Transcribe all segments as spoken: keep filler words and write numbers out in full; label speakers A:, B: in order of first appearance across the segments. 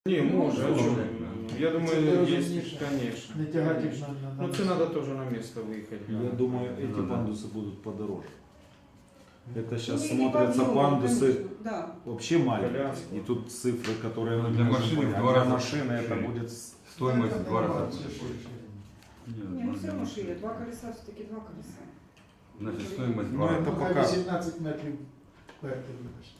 A: Не, може, а чому? Я
B: Це
A: думаю,
B: розумніше.
A: есть, конечно.
B: Не тягать їх на, на, на
A: Ну, це надо тоже на место выехать.
C: Я думаю, эти
D: Ну да.
C: пандусы будут подороже. Это сейчас
E: Ну, и
C: смотрятся
E: подъемы,
C: пандусы
E: конечно, да.
C: вообще маленькие.
A: Коляски.
C: И тут цифры, которые
D: Ну,
C: мы
D: для
C: можем
D: машины
C: понять.
D: в два
C: Для
D: раза
C: машины это
D: шире.
C: будет с-
D: Стоимость
B: Это
D: в два раза
B: нормально,
D: будет
B: все
D: больше.
B: шире.
D: Нет,
E: Не, ну все равно
D: нормально.
E: шире. Два колеса все-таки два колеса.
D: Значит, стоимость в
C: Ну,
D: два
C: это
D: раза.
B: Ну,
C: пока.
B: хай вісімнадцять метрів вверху, вибачте.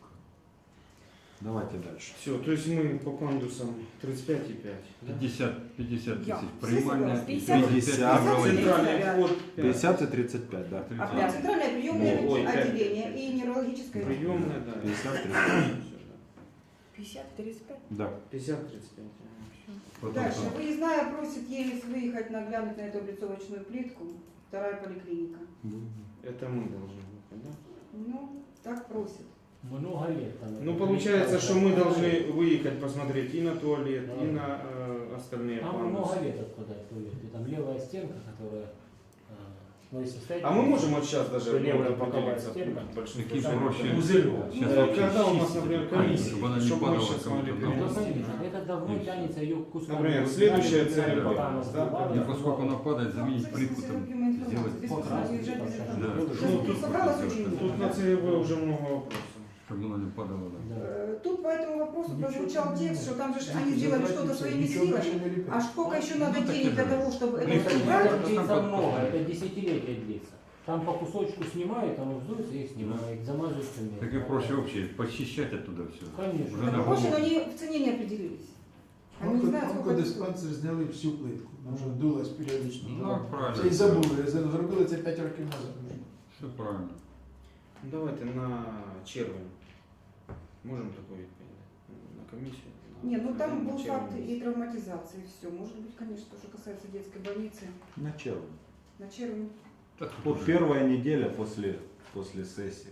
C: Давайте дальше.
A: Все, то есть мы по пандусам тридцать пять и пять.
D: пятьдесят, пятьдесят
E: Я.
D: тысяч.
E: Все
D: Принимальная
E: согласны.
D: и
E: пятьдесят.
D: пятьдесят
C: Пятьдесят.
D: неврология.
A: Центральный вход пять.
C: пятьдесят и тридцать пять, да.
E: А прям центральное приемное
A: Ну, ой, пять.
E: отделение и неврологическое.
A: Приемная, да.
C: пятьдесят тридцать пять.
E: пятьдесят тридцать пять.
C: Да.
A: пятьдесят тридцать пять.
D: Потом
E: Дальше.
D: что?
E: Выездная просит Елис выехать наглянуть на эту облицовочную плитку. Вторая поликлиника.
A: Это мы должны выехать, да?
E: Ну, так просит.
F: Много лет там.
A: Ну,
F: это
A: получается,
F: плитка,
A: что мы
F: это
A: должны выехать посмотреть и на туалет,
F: Да.
A: и на э, остальные
F: Там
A: пандусы.
F: много лет откуда туалет. И там левая стенка, которая... а, ну, если стоять,
A: А мы можем вот сейчас даже
F: Что левая
A: ну,
F: боковая
A: определиться
F: стенка?
A: в больших
D: Такие
A: процентах.
D: проще.
F: Пузырёк.
D: Сейчас
A: Э,
D: вообще
A: Когда у нас,
D: чистить
A: например,
D: эту
A: комиссия,
D: чтобы она не
A: чтобы мы
D: падала
A: сейчас
D: кому-то
A: могли
D: на
F: Ну,
A: перенести.
F: смотрите, это давно
D: И всё.
F: тянется ее куском.
A: Например,
F: Вот
A: следующая
F: взяли,
A: цель,
F: взяли, пока она
A: да,
F: сдувала,
D: И поскольку она падает, заменить
E: Ну,
D: плитку
E: в
D: там
E: зависимости от
D: сделать,
E: информации. Без
F: Покрасить,
E: проблем, уезжать без
F: покрасить.
D: Да.
E: информации.
A: Ну,
E: Тут
A: тут-
E: собралось очень
A: Тут
E: много.
A: на ЦЕВ уже много вопросов.
D: чтобы она не падала. Да.
E: Э, Тут по этому вопросу
B: Ничего
E: прозвучал
B: не
E: текст, что там же ж
B: меняется.
E: они сделали
B: Забрать
E: что-то
B: и всё,
E: своими
B: ничего
E: силами.
B: больше не лепить.
E: А сколько еще надо
D: Ну, так
E: денег
D: и
E: для
D: же.
E: того, чтобы это
D: Ну,
E: все
D: конечно.
E: убрать?
F: Это длится
D: Там
F: много,
D: под-
F: это десятилетия длится. Там по кусочку снимают, оно вздуется и снимает, замазывают цемент.
D: Так и проще вообще почищать оттуда все.
F: Конечно.
D: Уже
E: Так
D: на
E: проще, но
D: голову.
E: они в цене не определились. Они не знают, сколько это стоит.
B: Онкодиспансер зняли всю плитку, тому що дулась періодично.
D: Ну, правильно.
B: Це і забули, зробили це п'ять років назад. вже.
D: Все правильно.
A: Ну, давайте на червень. Можем такое відповідати? На комиссию? На-
E: Не, ну там
A: на
E: был
A: червень.
E: факт и травматизации, и все. Может быть, конечно, то, что касается детской больницы.
C: На червень.
E: На червень.
D: Так,
C: Вот
D: уже
C: первая неделя после, после сессии.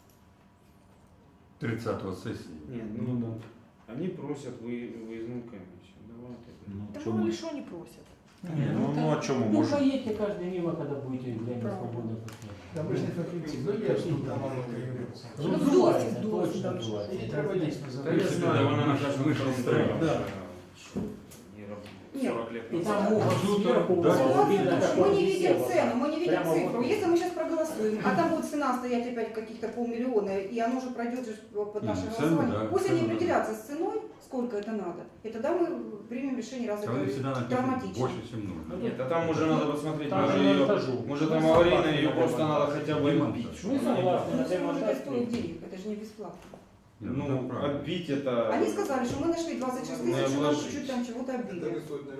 D: тридцатого сессии.
A: Нет, ну, да. Они просят вы, выездную комиссию. Давайте.
C: Ну,
G: Да
C: чё
G: мало
C: мы-
G: ли что они просят.
F: Не,
C: ну, ну, а чё мы
F: ну,
C: можем?
F: поедьте каждый мимо, когда будете время
E: Правильно.
F: свободно посмотреть.
B: Там ви ж не фахівці, ну є ж тут там юрист.
F: Ну,
E: Ну,
F: вздувается,
E: вздувается,
F: точно
E: вздувается.
F: вздувается.
B: І треба дійсно
A: Да
B: забрати.
A: я знаю, она на каждом
D: Мы же
A: втором
D: строим.
A: доме,
B: Да.
A: что не работает.
E: Нет.
A: сорок лет
F: И
A: назад.
F: там угол сверху,
D: Да.
F: угол видно,
E: Ситуация,
F: что
E: мы не
F: везде
E: видим
F: вот
E: цену, мы не видим
F: прямо
E: цифру.
F: вот.
E: Если мы сейчас проголосуем, а там будет цена стоять опять каких-то полмиллиона, и оно же пройдет же под
D: Не,
E: наше
D: цену,
E: голосование,
D: да,
E: пусть они
D: цену, да.
E: определятся с ценой, сколько это надо, и тогда мы примем решение, раз
D: А они всегда
E: это
D: написано
E: травматично.
D: больше, чем нужно.
A: Нет, а там уже надо посмотреть,
F: Там
A: может,
F: же на
A: ее,
F: этажу.
A: может
F: Ну,
A: там аварийная,
F: согласен,
A: ее
F: на
A: просто
F: демонтаж.
A: надо хотя бы
D: Демонтаж.
A: отбить.
F: Ну, согласен.
E: Ну,
F: на
E: все может
F: демонтаж
E: это стоит
F: нет.
E: денег, это же не бесплатно.
D: Не,
A: Ну,
D: там правильно.
A: отбить это...
E: Они сказали, что мы нашли двадцать шесть
A: Не
E: тысяч, у нас
A: обложить.
E: чуть-чуть там чего-то отбили.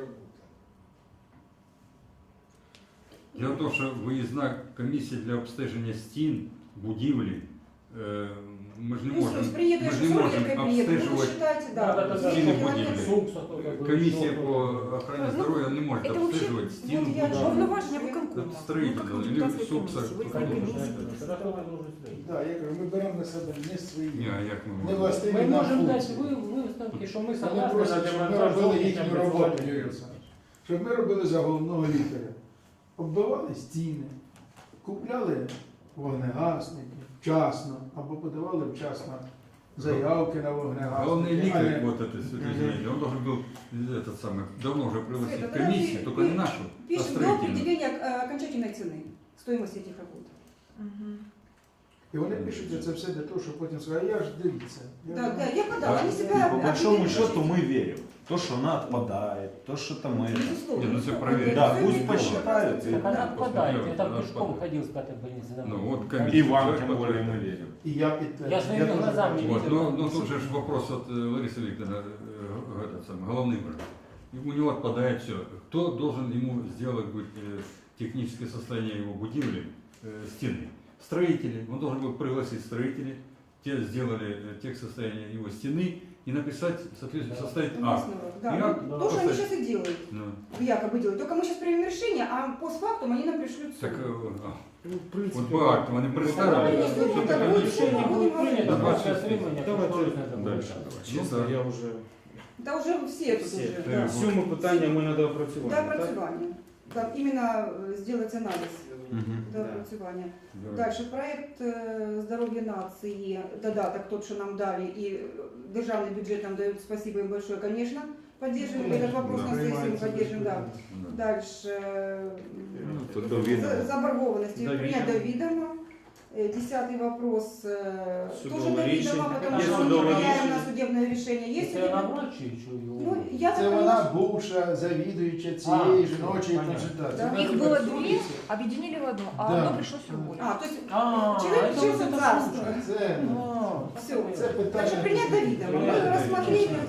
D: Дело в том, що виїзна комісія для обстеження стін, будівлі, е, ми ж не
E: Ну,
D: можемо,
E: слушай, приеду,
D: ми
E: я
D: ж
E: же
D: не
E: с
D: можемо
E: приеду, ну, вы
D: обстежувати.
E: считайте,
F: Да, да,
E: да.
F: да,
D: Стены
E: Сколько
D: будили.
E: километров?
F: Сукса только
D: Комісія
F: вышел.
D: по охороні
G: Ну,
D: здоров'я не може
G: это вообще-
D: обстежувати стіну
E: вот я
D: будівлі.
E: же-
G: Повноваження
E: Ну,
G: виконкому.
D: Це строїтельно,
G: Ну, как
D: или
G: депутатская
D: сукса,
G: комиссия. Вы
D: как
G: как
F: Конечно,
G: комиссия
F: это
G: представляете.
F: кто-то должен строить.
B: Так, я кажу, ми беремо на себе не свої.
D: Ні, а як ми
B: Не
D: можемо?
B: властиві
F: Мы
B: нам
F: можем дать
B: функції.
F: вы- выставки, что мы
B: Вони
F: согласны на
B: просять, щоб ми
F: демонтаж
B: робили
F: зовнішнього
B: їхню роботу,
F: образування.
B: Юрій Олександрович. Щоб ми робили за головного лікаря. Оббивали стіни, купляли вогнегасники вчасно, або подавали вчасно заявки на вогнегасники.
D: Главный
B: а
D: ликарь,
B: не-
D: вот это все изменение, он должен был этот самый, давно уже пригласить
E: Света,
D: комиссию,
E: давай
D: только
E: мы
D: не нашу, а
E: Пишем до
D: строительную.
E: определения э, окончательной цены, стоимости этих работ.
G: Мгм.
B: І вони пишуть це все для того, щоб потім сказати, а я ж дивіться. я
E: Да,
B: ж-
E: да, я подала, они
C: И
E: себя
C: по большому
E: определили.
C: счету мы верим. То, что она отпадает, то, что там это.
E: Безусловно.
D: Не, ну,
E: Всё,
D: всё проверить.
C: Да,
E: всё
C: пусть
E: имеет
C: посчитают.
E: право.
C: И-
F: Так она
E: Да.
F: отпадает. Я там
D: Она
F: пешком
D: отпадает.
F: ходил с пятой больницы домой.
D: Ну, вот
F: Там-
D: комиссия.
C: И вам, тем более, мы верим.
B: І я підтверджую.
F: Я своїми
B: теж
F: глазами
B: бачу.
F: не
D: Вот, но, но тут же ж вопрос от э, Ларисы Викторовны, э, этот самый, головный врач. И у него отпадает все. Кто должен ему сделать будет, э, техническое состояние его будивли, э, стены? Строители. Он должен был пригласить строителей, те сделали э, тех состояния его стены и написать, соответственно,
F: Да.
D: составить акт.
E: Уместно, да.
D: Я
E: Ну, то, что они
D: просто-
E: сейчас и делают,
D: Ну,
E: якобы делают. Только мы сейчас примем решение, а постфактум они нам пришлют
D: так,
E: суд.
D: э, а,
A: Ну, в принципе,
D: вот по акту они
E: Да,
D: представили,
E: если
D: что
E: будет
D: такое
E: такое
D: решение.
E: решение,
F: Решение будет принято,
D: Да,
F: просто
D: двадцать
F: отримання
A: Давайте
F: кошторисної
C: дальше.
F: документації.
D: Ну,
A: Честно,
D: да.
A: я уже...
E: Да уже все тут
A: Все.
E: уже.
D: Э,
E: Да.
A: Всю мы питання ми на доопрацювання,
E: До
A: так?
E: опрацювання. Там именно э, сделать анализ
C: Мгм.
E: до
A: Да.
E: опрацювання.
D: Да.
E: Дальше проект э, здоров'я нації, додаток тот, что нам дали, и державный бюджет нам дает, спасибо им большое, конечно, поддержим. Этот вопрос
D: Да.
E: на сессии мы
B: Приймається
E: поддержим, да.
D: Да.
E: Дальше э,
C: Ну, то до відома.
E: за- заборгованности
A: До
E: принять до
A: відома.
E: ведома. Э, Десятый вопрос э,
A: Судовое
E: тоже до ведома,
A: решение.
E: потому
F: Есть
E: что мы не
A: судовое
E: влияем
A: решение.
E: на судебное решение. Есть
F: Если она
E: судебное...
F: врач или что его?
E: Ну, я так
B: Це вона
E: поняла,
B: бувша завідуюча цієї
F: А,
B: жіночої
F: понятно.
B: консультації.
E: Да.
B: Вона
G: Их
B: тепер
G: было
B: в
G: две,
B: судиться.
G: объединили в одно, а
B: Да.
G: одно пришлось уволить.
E: А, то есть
F: А,
E: человек
F: это
E: лишился
F: вот это
E: царства.
F: слушай.
B: Це,
F: А,
E: Все,
B: це питання.
E: Так что принять до вида. Мы
A: Принять до
E: рассмотрели.
B: Вибачте.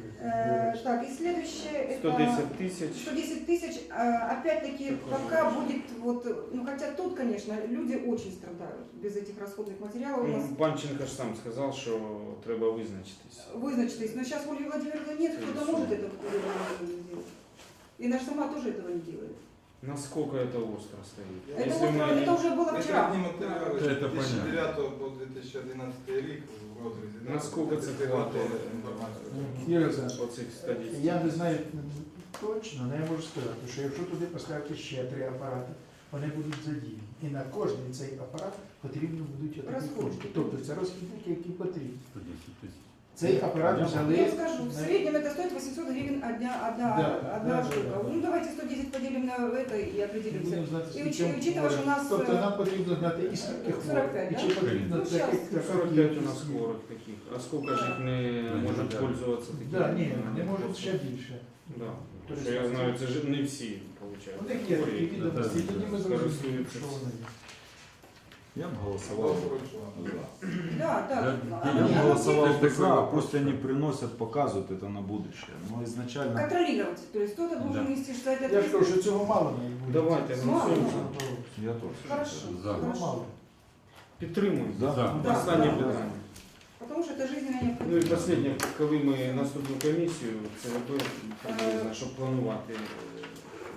E: Э, так, и следующее
A: сто
E: это
A: десять тысяч.
E: сто десять тысяч. Э, опять-таки, пока будет вот, ну хотя тут, конечно, люди очень страдают без этих расходных материалов. У нас
A: Ну, Панченко ж сам сказав, що треба визначитись.
E: вызначились, но сейчас Ольги Владимировны нет, кто-то может это Ольга Владимировна сделать. И наша сама тоже этого не делает.
A: Насколько это остро стоит?
E: Это,
A: Если
E: вот,
A: мы-
E: это уже было
H: Якщо
E: вчера.
H: одні матеріали
D: Це
H: з дві тисячі
D: понятно.
H: дев'ятого по дві тисячі одинадцятий рік в розрізі. да,
A: Наскільки це
H: це
A: хватає?
H: інформацію.
B: Юрій Олександрович,
A: Оцих сто десять.
B: я не знаю точно, але я можу сказати, що якщо туди поставити ще три апарати, вони будуть задіяні. І на кожний цей апарат потрібно будуть такі
E: Розходники.
B: кошти. Тобто це розхідники, які потрібні.
D: сто десять тысяч.
B: Цей апарат
F: Я
B: взяли.
E: Я скажу, в
B: на-
E: среднем это стоит восемьсот гривен одна, одна,
B: Да,
E: одна
B: да,
E: штука.
B: да, да.
E: Ну давайте сто десять поделим на это и
B: Ми
E: определимся.
B: будемо знати,
E: І
B: скільки
E: учи- учитывая, що у нас,
B: Тобто
E: е,
B: нам потрібно знати і скільки
E: сорок
B: хворих,
E: п'ять,
B: і
E: да?
B: чи потрібно
E: Ну,
B: таких
E: щас.
B: така
A: сорок пять у
B: кількість
A: нас
B: є.
A: хворих таких. А сколько же их не
D: Ну,
A: может
D: да.
A: пользоваться такими?
B: Да, ні, не можуть ще більше.
A: Да.
B: Тобто
A: Що я знаю, це ж не всі, виходить.
B: У них є такі відомості, і тоді ми зрозуміємо,
A: Користуються
B: що вони є.
C: Я б
H: Хто
C: голосував.
H: вручував?
E: Да, да.
D: Я-
E: Оно-
C: Я
E: оно
C: бы голосовал
D: Такой
C: бы за, а
D: вопрос.
C: пусть они приносят, показывают это на будущее. Но изначально...
E: контролировать. То есть кто-то должен
D: Да.
E: нести за это
B: Я ж кажу,
E: ответственность.
B: що цього мало не буде.
A: Давайте,
E: Мало.
A: голосуємо.
C: Я тоже.
E: Хорошо.
D: За.
B: Цього мало.
A: Підтримуємо.
C: Да.
D: За.
E: Да.
A: Останнє
E: Да.
A: питання.
E: Потому что это жизненная
A: Ну і
E: необходимость.
A: останнє, коли ми наступну комісію, це робили, приблизно, щоб планувати е,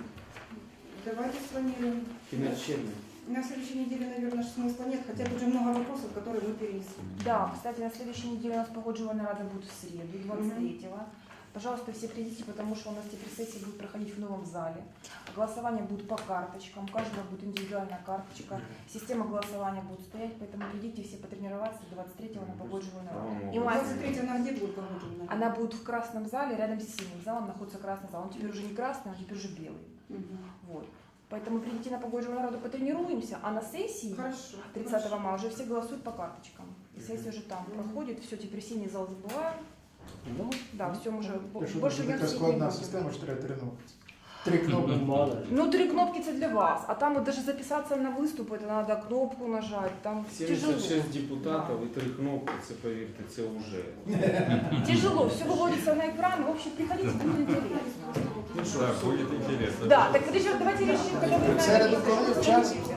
E: Давайте спланируем.
A: кінець червня.
E: На следующей неделе, наверное, смысла нет, хотя тут уже много вопросов, которые мы перенесли.
G: Да, кстати, на следующей неделе у нас погоджевальная рада будет в среду, двадцать третьего. Пожалуйста, все придите, потому что у нас теперь сессии будут проходить в новом зале. Голосование будет по карточкам, у каждого будет индивидуальная карточка. Система голосования будет стоять, поэтому придите все потренироваться двадцать третьего на погоджевальную раду. И мать,
E: двадцать третьего она где будет погоджена?
G: она будет в красном зале, рядом с синим залом находится красный зал. Он теперь уже не красный, он теперь уже белый.
E: Мгм.
G: Вот. Поэтому придите на погоджевальную раду, потренируемся, а на сессии
E: Хорошо.
G: тридцатого мая уже все голосуют по карточкам. И сессия уже там проходит, все, теперь синий зал забываем.
F: Ну,
G: Да, все, мы уже бо-
B: Якщо
G: больше
B: буде
G: я
B: така
G: всіх не
B: складна
G: буду.
B: система, що треба три кнопки. Три кнопки.
F: ну, мало ли.
G: Ну, три кнопки это для вас, а там вот даже записаться на выступ, это надо кнопку нажать, там тяжело.
A: сімдесят шість депутатів і три кнопки, це повірте, це вже.
G: Тяжело, все выводится на экран, в общем, приходите, будет интересно.
A: Ну що,
D: Да, будет интересно.
G: Да, так подожди, давайте решим, когда вы
B: В середу
G: знаете,
B: коли
G: что
B: час?
G: хотите.